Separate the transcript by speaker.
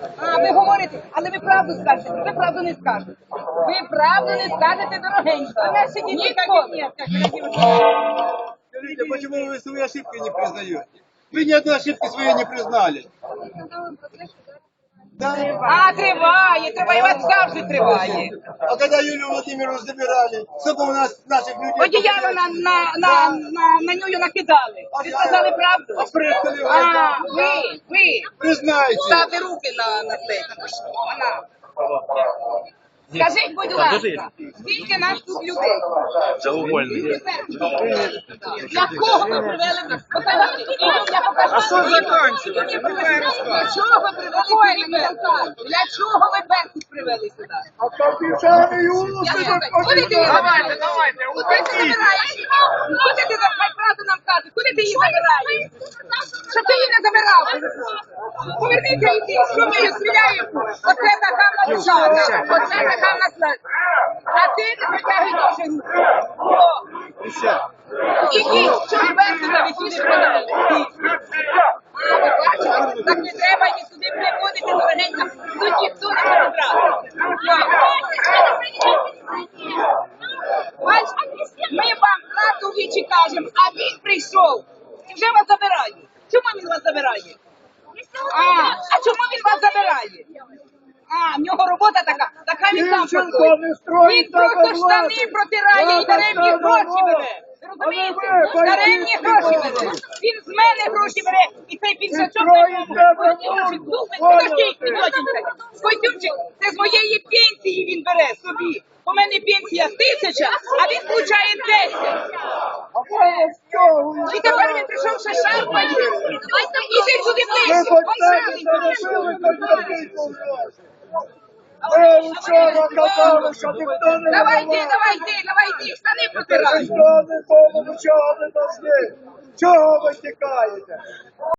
Speaker 1: А, ви говорите, але ви правду скажете, ви правду не скажете. Ви правду не скажете, дорогенько. Ніколи.
Speaker 2: Скажите, почему вы свои ошибки не признаете? Вы ни одной ошибки своей не признали. Да?
Speaker 1: А, триває, у вас завжди триває.
Speaker 2: А когда Юлию Владимировну забирали, сколько у нас наших людей...
Speaker 1: Одіяло на нього накидали. Ви сказали правду? А, ви.
Speaker 2: Признайте.
Speaker 1: Ставте руки на плечі. Вона. Скажіть, будь ласка, скільки нас тут людей? Для кого ви привели нас? А що закінчили? Для чого ви привели сюди? Для чого ви Беркут привели сюди?
Speaker 2: А капітани Юсипа...
Speaker 1: Давайте. Куди ти забираєш? Куди ти забираєш? Правду нам кажуть. Куди ти її забираєш? Що ти її не забирав? Поверніться йди. Що ми її стріляємо? Оце така влада. Оце така влада. А ти не притягуй дуже руки. Ідіть, що ж Беркута ви сюди привели? А, ви бачите? Так не треба їх сюди приводити, дорогенька. Тут ніхто не забрав. Ми вам правду в вічі кажемо, а він прийшов і вже вас забирає. Чому він вас забирає? А чому він вас забирає? А, в нього робота така він сам працює. Він просто штани протирає і даремні гроші бере. Розумієте? Даремні гроші бере. Він з мене гроші бере і цей підсачок Койтюмчик, це з моєї пенсії він бере собі. У мене пенсія 1000, а він получає 10. І тепер він прийшов ще шарпає. Іди сюди ближче, он шарпає.
Speaker 2: Ви вчора казали, що ніхто не...
Speaker 1: Давай йди, штани протирай.
Speaker 2: Ніхто не помічали нас. Чого ви тікаєте?